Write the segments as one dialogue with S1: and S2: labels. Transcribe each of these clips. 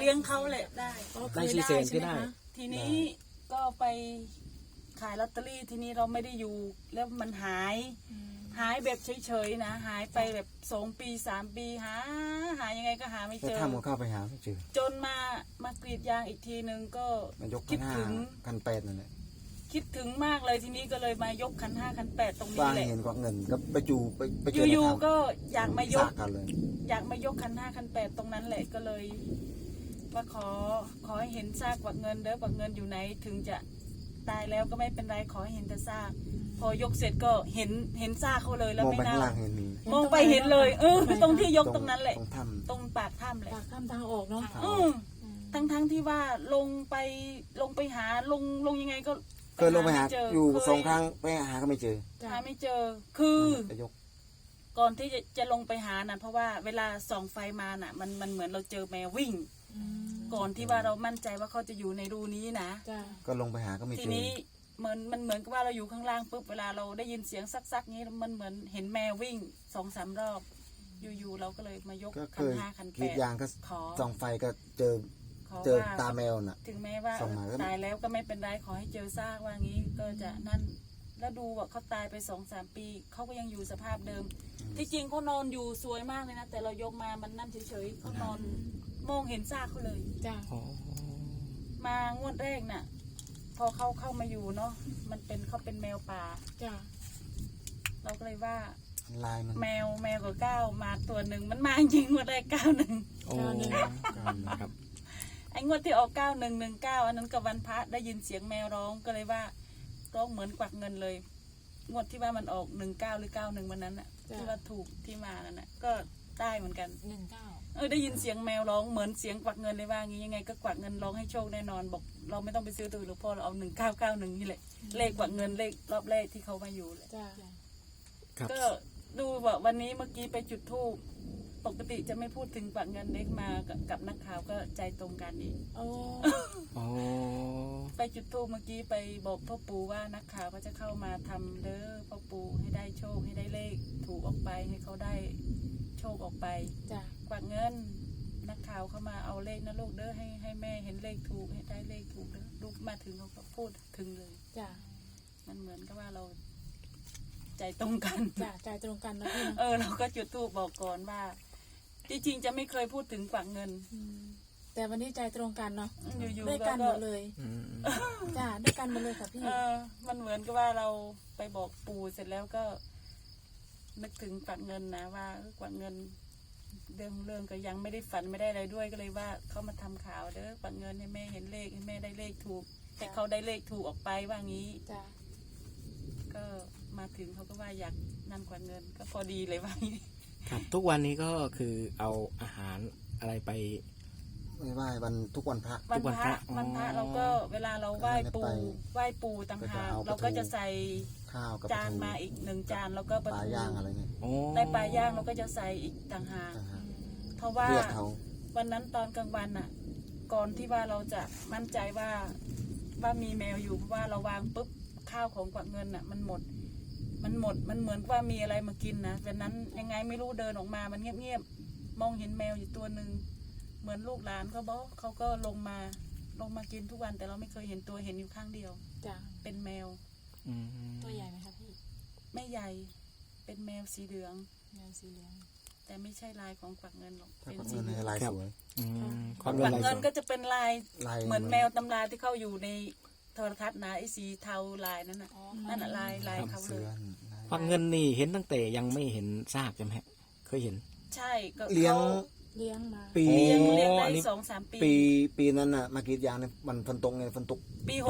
S1: ลี้ยงเขาแหละได้
S2: ได้4 แสนก็ได้
S1: ทีนี้ก็ไปขายลอตเตอรี่ทีนี้เราไม่ได้อยู่แล้วมันหายแบบเฉยๆนะหายไปแบบ2 ปี3 ปีหายังไงก็หาไม่
S3: ก็
S1: เจอ
S3: ทำกับข้าวไปหาไม่เจอ
S1: จนมากรีดยางอีกทีนึงก็
S3: มายก
S1: คิด
S3: 1,500
S1: ถึง
S3: 1,800นั่นแหละ
S1: คิดถึงมากเลยทีนี้ก็เลยมายกขัน 5 ขัน 8ตรงนี้
S3: ว่า
S1: แหละ
S3: เห็นกว่าเงินก็ไปจูไปเจอ
S1: อยู่
S3: ใน
S1: ๆก็อยากมายก
S3: สกันเลย
S1: อยากมายกขัน 5 ขัน 8ตรงนั้นแหละก็เลย ว่าขอให้เห็นซากกวักเงินเด้อกวักเงินอยู่ไหนถึงจะตายแล้วก็ไม่เป็นไรขอให้เห็นแต่ซากพอยกเสร็จก็เห็นซากเขาเลยแล้ว
S3: มอง
S1: ไม่
S3: ไปข้าง
S1: เน่า
S3: ล่างเห็นมี
S1: มองไปเห็นเลยตรงที่ยกตรงนั้นแหละ
S3: ตรงถ้
S1: ตรงปากถ้ำแหละ
S4: ปากถ้ำทางออกเนาะ
S1: ทั้งที่ว่าลงไปหาลงยังไงก็
S3: ำเคยลงไปหา
S1: ม่เจ
S3: อยู่
S1: เค
S3: 2 ครั้งไปหาก็ไม่เจอ
S1: หาไม่เจอคือ
S3: ไปยก
S1: ก่อนที่จะลงไปหาน่ะเพราะว่าเวลาส่องไฟมาน่ะมันเหมือนเราเจอแมววิ่ง ก่อนที่ว่าเรามั่นใจว่าเขาจะอยู่ในรูนี้นะ
S4: จ้ะ
S3: ก็ลงไปหาก็ไม่
S1: ที
S3: เจอ
S1: นี้มันเหมือนกับว่าเราอยู่ข้างล่างปุ๊บเวลาเราได้ยินเสียงซักๆนี้มันเหมือนเห็นแมววิ่ง2-3 รอบ อยู่ๆเราก็เลยมายก
S3: ก็
S1: ขั
S3: เคน ย
S1: 5 ขัน
S3: กรีด
S1: 8
S3: ยางก็
S1: ขอ
S3: ส่องไฟก็เจอ
S1: ขอ
S3: เจอ
S1: ว่า
S3: ตาแมวน่ะ
S1: ถึงแม้ว่า
S3: ส่องมาก็
S1: ตายแล้วก็ไม่เป็นไรขอให้เจอซากว่างี้ก็จะนั่นแล้วดูว่าเขาตายไป2-3 ปีเขาก็ยังอยู่สภาพเดิม ที่จริงเขานอนอยู่สวยมากเลยนะแต่เรายกมามันนั่นเฉยๆเขานอนมองเห็นซากเขาเลย
S4: จ้ะ
S1: มางวดแรกน่ะ พอเขาเข้ามาอยู่เนาะมันเป็นเขาเป็นแมวป่า
S4: จ้ะ
S1: เราก็เลยว่า
S3: ลายมัน
S1: แมวกับก้าวมาตัวหนึ่งมันมาจริงงวดแรก91
S2: โอ้ครับ
S1: ไอ้งวดที่ออก9119อันนั้นกับวันพระได้ยินเสียงแมวร้องก็เลยว่าร้องเหมือนกวักเงินเลย งวดที่ว่ามันออก19หรือ91วันนั้นน่ะที่ว่าถูกที่มานั่นน่ะก็ได้เหมือนกันได้ยินเสียงแมวร้องเหมือนเสียงกวักเงินเลยว่างี้ยังไงก็กวักเงินร้องให้โชคแน่นอนบอกเราไม่ต้องไปซื้อตัวหรือพ่อเราเอา1991นี่แหละเลขกวักเงินเลขรอบแรกที่เขามาอยู่แหละ
S4: จ้ะ
S2: ครับ
S1: ก็ดูว่าวันนี้เมื่อกี้ไปจุดธูปปกติจะไม่พูดถึงกวักเงินเล็กมากับนักข่าวก็ใจตรงกันอีก
S4: โอ้
S2: โอ้
S1: ไปจุดธูปเมื่อกี้ไปบอกพ่อปู่ว่านักข่าวก็จะเข้ามาทำเด้อพ่อปู่ให้ได้โชคให้ได้เลขถูกออกไปให้เขาได้โชคออกไป
S4: จ้ะ
S1: กวักเงินนักข่าวเข้ามาเอาเลขนะลูกเด้อให้แม่เห็นเลขถูกให้ได้เลขถูกเด้อลูกมาถึงเขาก็พูดถึงเลย
S4: จ้ะ
S1: มันเหมือนกับว่าเราใจตรงกัน
S4: จ้ะใจตรงกันนะพี่นะ
S1: เราก็จุดธูปบอกก่อนว่าจริงๆจะไม่เคยพูดถึงกวักเงิน
S4: แต่วันนี้ใจตรงกันเนาะ
S1: อยู่
S4: ด้วย
S1: ๆ
S4: กันหมดเลย
S2: อืม
S4: จ้ะด้วยกันหมดเลยค่ะพี่
S1: มันเหมือนกับว่าเราไปบอกปู่เสร็จแล้วก็ นึกถึงกวักเงินนะว่ากวักเงินเรื่องก็ยังไม่ได้ฝันไม่ได้อะไรด้วยก็เลยว่าเขามาทำข่าวเด้อกวักเงินให้แม่เห็นเลขให้แม่ได้เลขถูกให้เขาได้เลขถูกออกไปว่างี้
S4: จ้ะ
S1: ก็มาถึงเขาก็ว่าอยากนั่นกวักเงินก็พอดีเลยว่างี้
S2: ครับทุกวันนี้ก็คือเอาอาหารอะไรไป
S3: ไม่ไหว้วันทุกวันพระ
S1: วันพระ
S2: อ๋อ
S1: วันพระเราก็เวลาเราไหว้ปู่
S3: ไป
S1: ไหว้ปู่ต่างหาก
S3: ก็จะเอา
S1: เราก็จะใส่
S3: ข้าวกับ
S1: จานมาอีก1 จานแล้วก็ป
S3: ป
S1: ลา
S3: ลา
S1: ทู
S3: ย่างอะไรเงี้ย
S2: โอ้
S1: ได้ปลาย่างเราก็จะใส่อีกต่างหาก
S3: ต่างหาก
S1: เพราะว่า
S3: เลือดเขา
S1: วันนั้นตอนกลางวันน่ะ ก่อนที่ว่าเราจะมั่นใจว่ามีแมวอยู่เพราะว่าเราวางปุ๊บข้าวของกวักเงินน่ะ มันหมดมันเหมือนว่ามีอะไรมากินนะวันนั้นยังไงไม่รู้เดินออกมามันเงียบๆมองเห็นแมวอยู่ตัวหนึ่งเหมือนลูกหลานเขาบอกเขาก็ลงมากินทุกวันแต่เราไม่เคยเห็นตัวเห็นอยู่ข้างเดียว
S4: จ้ะ
S1: เป็นแมว
S2: อืม
S5: ตัวใหญ่ไหมคะพี่
S1: ไม่ใหญ่เป็นแมวสีเหลือง
S5: แมวสีเหลือง
S1: แต่ไม่ใช่ลายของกวักเงินหรอก
S3: ถ้า
S1: เป็น
S3: กวัก
S1: สี
S3: เงิน
S1: เหลื
S3: ใน
S1: อง
S3: ลายสวย
S2: อืม
S1: กวัก
S2: เงิน
S1: เงินก็จะเป็นลาย
S3: ลาย
S1: เหมือนแมวตำราที่เขาอยู่ในโทรทัศน์นะไอ้สีเทาลายนั่นน่ะนั่นน่ะลายเขาเล
S3: เสื
S1: ย
S3: อ
S2: ควักเงินนี่เห็นตั้งแต่ยังไม่เห็นซากใช่ไหมฮะเคยเห็น
S1: ใช่ก็
S3: เลี้ยง
S1: ขา
S4: เลี้ยงมา
S3: ปี
S1: เลี้ยง
S2: อั
S1: ได้
S2: นนี้
S1: 2-3 ปี
S3: ปีนั้นน่ะมากรีดยางเนี่ยมันฝนตกไงฝนตก
S1: ปี 60
S2: ปี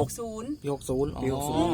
S2: 60อ๋อ
S3: ปี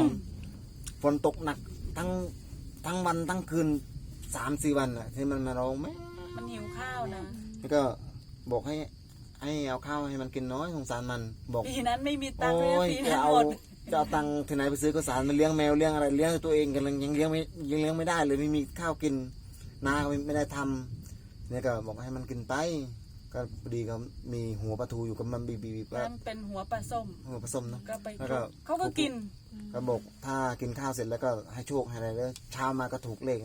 S3: 60 ฝนตกหนักทั้งวันทั้งคืน3-4 วันอ่ะที่มันมาร้องแม่
S1: มันหิวข้าวนะ
S3: แล้วก็บอกให้เอาข้าวให้มันกินน้อยสงสารมันบอก
S1: ปีนั้นไม่มีตังค์เลย
S3: โอ้
S1: นะ
S3: ย
S1: ปี
S3: จะ
S1: นั้น
S3: เอา
S1: หมด
S3: จะเอาตังค์ที่ไหนไปซื้อข้าวสารมาเลี้ยงแมวเลี้ยงอะไรเลี้ยงตัวเองกันยังเลี้ยงไม่ได้เลยไม่มีข้าวกินนาก็ไม่ได้ทำเนี่ยก็บอกให้มันกินไปก็พอดีก็มีหัวปลาทูอยู่กับมันบีก็
S1: นั่นเป็นหัวปลาส้ม
S3: หัวผสมเนาะ
S1: ก็ไป
S3: แล้วก็
S1: เขาก็กิน
S3: ก็บอกถ้ากินข้าวเสร็จแล้วก็ให้โชคให้อะไรแล้วเช้ามาก็ถูกเลขนั่นแหละ
S1: เ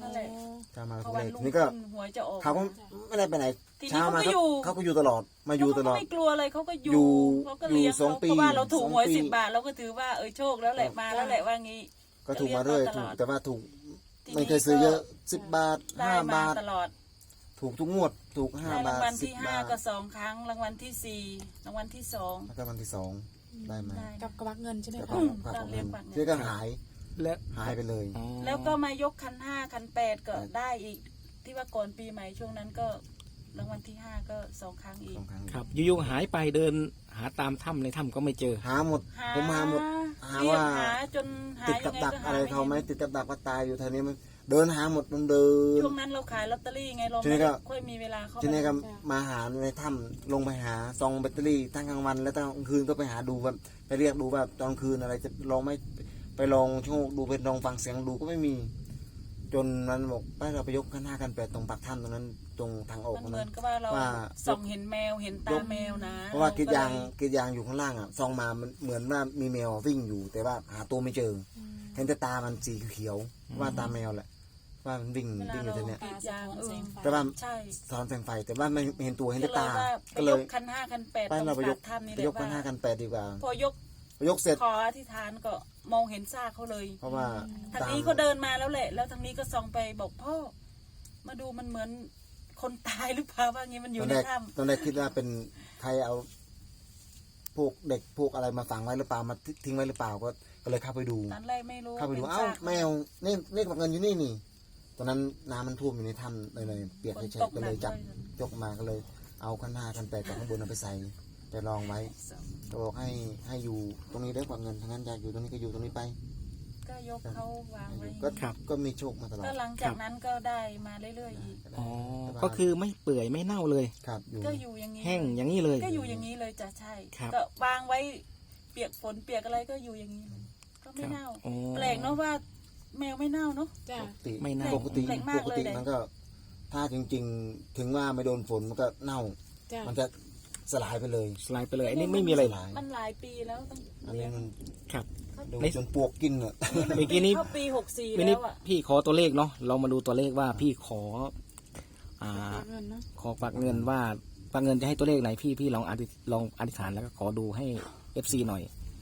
S1: นั่นแหละ
S3: เช้ามา
S1: พ
S3: ก็
S1: อ
S3: เล
S1: วัน
S3: ข
S1: รุ่ง
S3: นี่ก็
S1: ขึ้นหวยจะออก
S3: เขาก็ไม่ได้ไปไหน
S1: ทีนี้
S3: เช้ามา
S1: เขาก็อยู่
S3: เขาก็อยู่ตลอดมาอยู่ตลอด
S1: เขาก็ไม่กลัวอะไรเขาก็อ
S3: อยู่
S1: ยู่เขาก็เลี้ยง
S3: อยู่สอง
S1: เขา
S3: ปี
S1: เพราะว่าเราถูกหวย
S3: 2 ปี
S1: 10 บาทเราก็ถือว่าโชคแล้วแหละมาแล้วแหละว่างี้
S3: ก็ถูกมาเรื่อย
S1: ก็เลี้
S3: ถู
S1: ย
S3: ก
S1: งตลอด
S3: แต่ว่าถูก
S1: ทีนี้
S3: ไม่เคยซื้อเยอะ10 บาท
S1: ได้มา
S3: 5 บาท
S1: ตลอด
S3: ถูกทุกงวดถูก
S1: ได้
S3: 5
S1: รา
S3: บาง ท
S1: วัลที่
S3: 10 บาท
S1: 5ก็2 ครั้งรางวัลที่4รางวัลที่2
S3: แล้วก็วันที่2ได้มา
S1: ได้
S4: กับกระบักเงินใช่ไหม
S3: แล้ว
S4: คะ
S3: ก็
S1: ตอนเลี้ยงปากเงิน
S3: ที่ก็หาย
S2: และ
S3: หายไปเลย
S2: อ๋อ
S1: แล้วก็มายกคัน5คัน8ก็ได้อีก ที่ว่าก่อนปีใหม่ช่วงนั้นก็รางวัลที่5ก็2 ครั้งอีก
S3: 2 ครั้ง
S2: ครับอยู่ๆหายไปเดินหาตามถ้ำในถ้ำก็ไม่เจอ
S3: หาหมดผมหาหมดหา
S1: เรียก
S3: ว่า
S1: หาจนหา
S3: ติด
S1: ยั
S3: กับ
S1: งไง
S3: ดัก
S1: ก็หา
S3: อะไร
S1: ไม่
S3: เขาไหม
S1: เห็น
S3: ติดกับดักก็ตายอยู่แถวนี้มันเดินหาหมดมันเดิน
S1: ช่วงนั้นเราขายลอตเตอรี่ไงเรา
S3: ทีนี้
S1: ไม่
S3: ก็
S1: ค่อยมีเวลาเข้า
S3: ทีนี้
S1: ไป
S3: ก็มาหาในถ้ำลงไปหาซองแบตเตอรี่ทั้งกลางวันและตอนกลางคืนก็ไปหาดูแบบไปเรียกดูว่าตอนกลางคืนอะไรจะลองไม่ไปลองโชคดูไปลองฟังเสียงดูก็ไม่มี จนมันบอกไปเราไปยกขั้น 5 ขั้น 8ตรงปากถ้ำตรงนั้นตรงทางออก
S1: มัน
S3: ตรง
S1: เหมื
S3: นั้
S1: อน
S3: น
S1: กับว่าเรา
S3: ว่า
S1: ส่องเห็นแมวเห็นตาแมวนะ
S3: เพราะว่ากรีดยาง
S1: เรก็เล
S3: กรีดยางอยู่ข้างล่างอ่ะซองมามันเหมือนว่ามีแมววิ่งอยู่ แต่ว่าหาตัวไม่เจอเห็นแต่ตามันสีเขียวๆว่าตาแมวแหละว่ามันวิ่ง
S1: เวลา
S3: วิ่งอยู่
S1: เรา
S3: ตรงเนี้ย
S1: กรีดยาง
S3: แต่ว่า
S1: ใช่
S3: ซ้อนแสงไฟแต่ว่าไม่เห็นตัวเห็น
S1: ก็
S3: แต่
S1: เลย
S3: ตา
S1: ว่าไป
S3: ก็เลย
S1: กคัน5คัน8
S3: ไป
S1: ตรง
S3: เราไปย
S1: ปาก กถ้ำนี่
S3: ไป
S1: แหละ
S3: ยกขั้น
S1: ว่า
S3: 5 ขั้น 8ดีกว่า
S1: พอยก
S3: ยกเสร็จ
S1: ขออธิษฐานก็มองเห็นซากเขาเลย
S3: เพราะว่า
S1: ทางนี้เขาเดินมาแล้วแหละ แล้วทางนี้ก็ส่องไปบอกพ่อมาดูมันเหมือนคนตายหรือเปล่าว่างี้มันอ
S3: ต
S1: ยู่
S3: อน
S1: ใน
S3: แรก
S1: ถ้
S3: ตอนแรกคิดว่าเป็นใครเอาพวกเด็กพวกอะไรมาฝังไว้หรือเปล่ามาทิ้งไว้หรือเปล่าก็เลยเข้าไปดู
S1: ำตอนแรกไม่รู้
S3: เข้าไปดู
S1: ป็น
S3: เอ้า
S1: ซก
S3: แมวนี่เลขบักเงินอยู่นี่นี่ตอนนั้นน้ำมันท่วมอยู่ในถ้ำเลยเปียก
S1: ฝน
S3: เฉ
S1: ต
S3: ย
S1: ก
S3: ๆก็
S1: ห
S3: เล
S1: นั
S3: ย
S1: ก
S3: จับ
S1: เลย
S3: ยกมาก็เลยเอาขั้น 5 ขั้น 8กับข้างบนเอาไปใส่ไปรองไว้ก็บอกให้อยู่ตรงนี้ได้กว่าเงินทั้งนั้นอยากอยู่ตรงนี้ก็อยู่ตรงนี้ไป
S1: ก็ยกเขาวางไว้
S3: ก็ก็มีโชคมาตลอด
S1: ก็หลังจากนั้นก็ได้มาเรื่อยๆอีก
S2: อ๋อก็คือไม่เปื่อยไม่เน่าเลย
S3: ครับอยู่
S1: ก็อยู่อย่างนี้
S2: แห้งอย่างนี้เลย
S1: ก็อยู่อย่างนี้เลยจ้ะใช่
S2: ครับ
S1: ก็วางไว้เปียกฝนเปียกอะไรก็อยู่อย่างนี้เลยก็ไม่เน่า
S2: อ๋อ
S1: แปลกเนาะว่าแมวไม่เน่าเนาะ
S4: จ้า
S3: ปกติ
S2: ไม่เน่า
S3: ปกติ
S1: แปลกมาก
S3: ปกติ
S1: เลย
S3: มันก็ ถ้าจริง ๆ ถึงว่าไม่โดนฝนมันก็เน่า
S4: จ้า
S3: มันจะสลายไปเลย
S2: สไลด์ไปเลยอันนี้ไม่มีอะไร
S3: หลาย
S1: มันหลายปีแล้วตั้ง
S3: อันนี้มัน
S2: ครับ
S3: ดู
S2: ใน
S3: จนปวกกินอ่ะ
S2: เมื่อกี้นี้
S1: เข้าปี64
S2: วัน
S1: แล้
S2: นี้
S1: วอ่ะ
S2: พี่ขอตัวเลขเนาะเรามาดูตัวเลขว่าพี่ขอ อ่า
S4: เงินเนาะ
S2: ขอฝากเงินว่าฝากเงินจะให้ตัวเลขไหนพี่ลองอธิษฐานแล้วก็ขอดูให้ FC หน่อย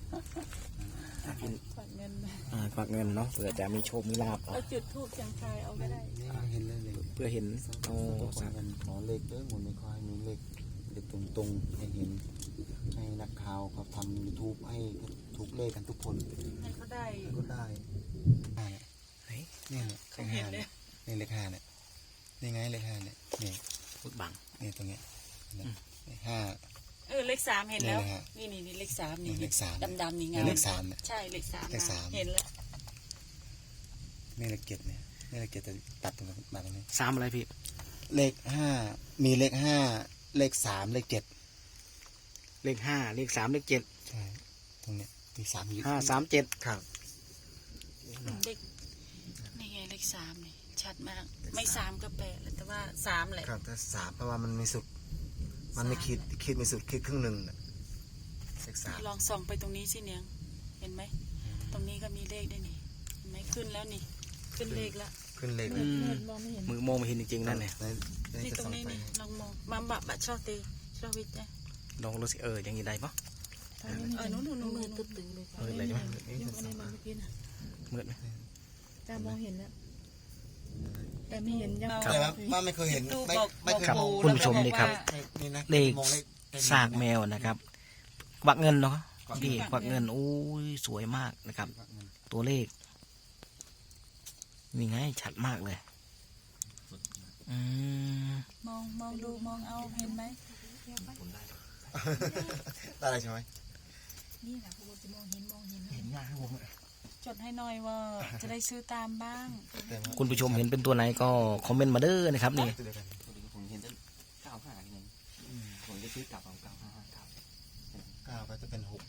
S1: ฝากเงิน
S2: ฝากเงินเนาะเผื่อจะมีโชคมีลาภ
S1: เอาจุดทูบเสียงทายเอาก็ได้
S3: เห็นเลยเลย
S2: เพื่อเห็นโอ้
S3: ขอ
S2: สาธุ
S3: กันขอเลขเด้อหมดไม่ค่อยมีเลขตรงๆให้เห็น ให้นักข่าวเขาทำ YouTube ให้ถูกเลขกันทุกคน
S1: ให้เขาได้
S3: ก็ได้เนี่ย
S1: เขาเห็นเลย
S3: นี่เลข 5เนี่ยนี่ไงเลข 5เนี่ยนี่
S2: พุดบัง
S3: นี่ตรงเนี้ยเลข
S1: เลข3เห็นแล้ว
S3: นี่นะฮะ
S1: นี่เลข3นี่
S3: เลข3
S1: ดำๆนี่
S3: 5
S1: ไง
S3: นี่เลข 3เนี่ย
S1: ใช่เลข3
S3: เลขสาม
S1: เห็นแล้ว
S3: นี่เลข 7เนี่ยนี่เลข 7จะตัดตรงนี้มาตรงนี้
S2: สามอะไรพี่
S3: เลข 5มีเลข 5เลข 3เลข 7
S2: เลข5เลข3เลข7
S3: ใช่ตรงเนี้ยมี3อยู่
S2: 5 3 7
S3: ครับ
S1: เลขนี่ไงเลข3นี่ชัดมากไม่3ก็8เลยแต่ว่า3แหละ
S3: ครับแต่3เพราะว่ามันมีสุด มันไม่คิดมีสุดคิดครึ่งหนึ่งน่ะเลข
S1: ลองส่องไปตรงนี้สิเนียงเห็นไหมตรงนี้ก็มีเลขได้วยนี่เห็นไหมขึ้นแล้วนี่ขึ้นเลขแล้ว
S3: 3ขึ้นเลข
S4: เงินมองไม่เห็น
S2: มือโมองไม่เห็นจริงๆนั่นเนี่ย
S1: นี่ตรงนี้นี่ลองมองมาบะชอบตีชอบวิทย์นะ
S2: ลองรู้สิอย่างนี้ได้ปะ
S4: ตอนนี้ไม่เห็น
S1: นู้น
S4: มือตึ๊ดๆเลยค่ะ
S2: มืดเลยใช่ไหม
S4: ยกอะไรมาเมื่อกี้น่ะ
S2: มืดไหม
S4: จ้ามองเห็นแล้วแต่ไม่เห็นยัง
S3: แต่ว่าไม่เคยเห็น
S1: ดู
S3: ไม่เคย
S2: ครับ
S3: มอง
S2: คุณผู้ชมนี่ครับ
S3: นี่นะ
S2: เลข
S3: มองเลข
S2: ซากแมวนะครับกวักเงินเนาะพี่กวักเงินโอ้ยสวยมากนะครับ ตัวเลขนี่ไงชัดมากเลยอืม
S1: มองดูมองเอาเห็นไหม
S3: ได้อะไรใช่ไหม
S1: นี่แหละพวกจะมองเห็น
S2: เห็นยากครับผม
S1: จดให้หน่อยว่าจะได้ซื้อตามบ้าง
S2: คุณผู้ชมเห็นเป็นตัวไหนก็คอมเมนต์มาเด้อนะครับนี่
S3: ตัวเดียวกัน
S6: ผมเห็นตั้ง95นี่ไงผมจะซื้อกลับเอา955ครับ
S3: 9ก็จะเป็น6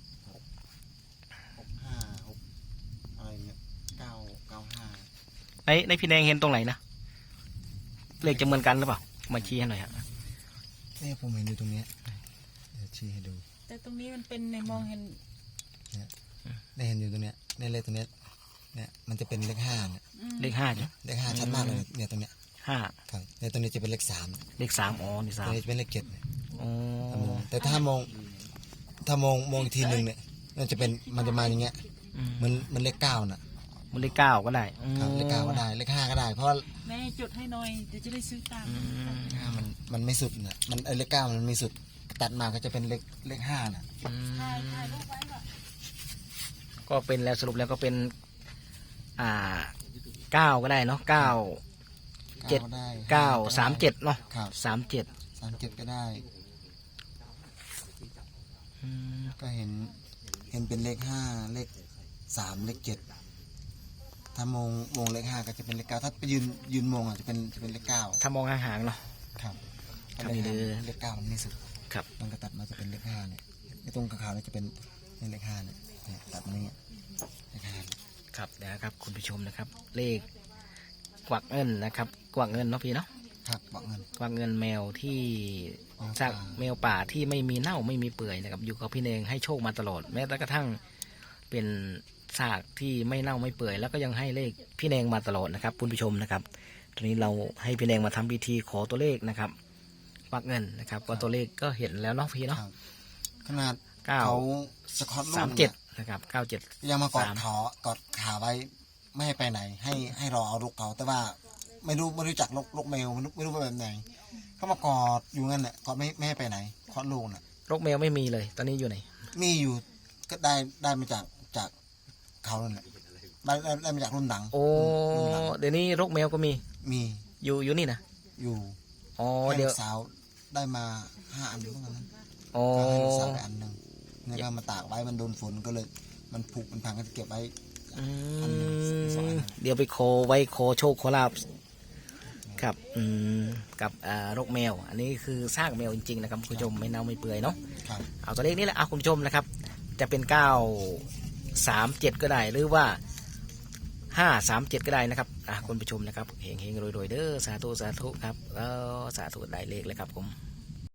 S3: 5 6อะไรเงี้ย9 5
S2: ในพี่แดงเห็นตรงไหนนะเลขจะเหมือนกันหรือเปล่ามาชี้ให้หน่อยฮะ
S3: เนี่ยผมเห็นอยู่ตรงเนี้ยเดี๋ยวชี้ให้ดู
S1: แต่ตรงนี้มันเป็นในมองเห็น
S3: ได้เห็นอยู่ตรงเนี้ยในเลขตรงเนี้ยเนี่ยมันจะเป็นเลขห้าเนี่ย
S2: เลขห้าจ้ะ
S3: เลขห้าชัดมากเลยเนี่ยตรงเนี้ย
S2: ห้า
S3: ครับเนี่ยตรงนี้จะเป็นเลขสาม
S2: เลขสามอ๋อนี่
S3: ต
S2: สา
S3: ร
S2: ม
S3: งนี้จะเป็นเลขเจ็ดเนี่ย
S2: อ๋อ
S3: แต่ถ้ามองอีกทีหนึ่งเนี่ยมันจะมาอย่างเงี้ย
S2: อืม
S3: มันเลขเก้าน่ะ
S2: มันเลขเก้าก็ได้
S3: ครับเลขเก้าก็ได้เลขห้าก็ได้ เพราะว่า
S1: แม่จดให้หน่อยเดี๋ยวจะได้ซื้อตาม
S2: อืม
S3: ห้ามันไม่สุดน่ะมันเลขเก้ามันไม่สุดตัดมาก็จะเป็นเลขห้าน่ะ
S2: อืม
S1: ถ่ายรูปไว้ก่อน
S2: ก็เป็นแล้วสรุปแล้วก็เป็นเก้าก็ได้เนาะเก้า เจ็ด
S3: ก็ได้
S2: เก้า
S3: ห้
S2: สามเจ็ดเนาะ
S3: ครับ
S2: 37
S3: 37ก็ได้ ก็เห็นเป็นเลขห้าเลขสามเลขเจ็ดถ้ามองเลขห้าก็จะเป็นเลขเก้าถ้าไปยืนมองอ่ะจะเป็นเลขเก้า
S2: ถ้ามองห่างๆเนาะ
S3: ครับ
S2: ครับ
S3: เลข
S2: นี่
S3: ห้า
S2: เลย
S3: เลขเก้ามันไม่สุด
S2: ครับ
S3: มันก็ตัดมาจะเป็นเลขห้าเนี่ยไอ้ตรงขาวๆเนี่ยจะเป็นเลขห้าเนี่ยตัดมาเนี่ยเลขห้าเนี่ย
S2: ครับนะครับคุณผู้ชมนะครับ เลขกวักเงินนะครับ กวักเงินเนาะพี่เนาะ
S3: ครับบอกเงิน
S2: กวักเงินแมวที่
S3: แมวป่า
S2: ซากแมวป่าที่ไม่มีเน่าไม่มีเปื่อยนะครับ อยู่กับพี่เนงให้โชคมาตลอด แม้แต่กระทั่งเป็นซากที่ไม่เน่าไม่เปื่อย แล้วก็ยังให้เลขพี่เนงมาตลอดนะครับคุณผู้ชมนะครับตอนนี้เราให้พี่เนงมาทำพิธีขอตัวเลขนะครับกวักเงินนะครับก็ตัวเลขก็เห็นแล้วเนาะพี่
S3: ค
S2: เนาะ
S3: รับขนาด
S2: เก้า
S3: เขาสคอตลูก
S2: 37นะครับ97
S3: ยังมากอดขาไว้ไม่ให้ไปไหน ให้รอเอาลูกเขาแต่ว่าไม่รู้จักลูกแมวไม่รู้ว่าแบบไหนเขามากอดอยู่งั้นแหละกอดไม่ให้ไปไหนคลอดลูกน่ะ
S2: โรคแมวไม่มีเลยตอนนี้อยู่ไหน
S3: มีอยู่ก็ได้มาจากเขานั่นแหละได้มาจากรุ่นหลัง
S2: โอ้
S3: รุ่นหลัง
S2: เดี๋ยวนี้โรคแมวก็มี
S3: มี
S2: อยู่นี่นะ
S3: อยู่
S2: อ๋อ
S3: ให้
S2: เดี๋
S3: ลู
S2: ยว
S3: กสาวได้มา5 อันเหมือนกันนั้น
S2: อ๋อ
S3: ก็ให้ลูกสาวไปอันหนึ่งนี่ก็มาตากไว้มันโดนฝนก็เลยมันผุมันพังก็จะเก็บไว้
S2: อื
S3: อันหนึ่งสองอัน
S2: เดี๋ยวไปโคไว้โคโชคโคลาบครับกับโรคแมว อันนี้คือซากแมวจริงๆนะครับคุณผู้ชมไม่เน่าไม่เปื่อยเนาะ
S3: ครับ
S2: เอาตัวเลขนี้แหละเอาคุณผู้ชมนะครับ จะเป็น937ก็ได้หรือว่า537ก็ได้นะครับคุณผู้ชมนะครับเฮงๆรวยๆเด้อสาธุครับสาธุได้เลขเลยครับผม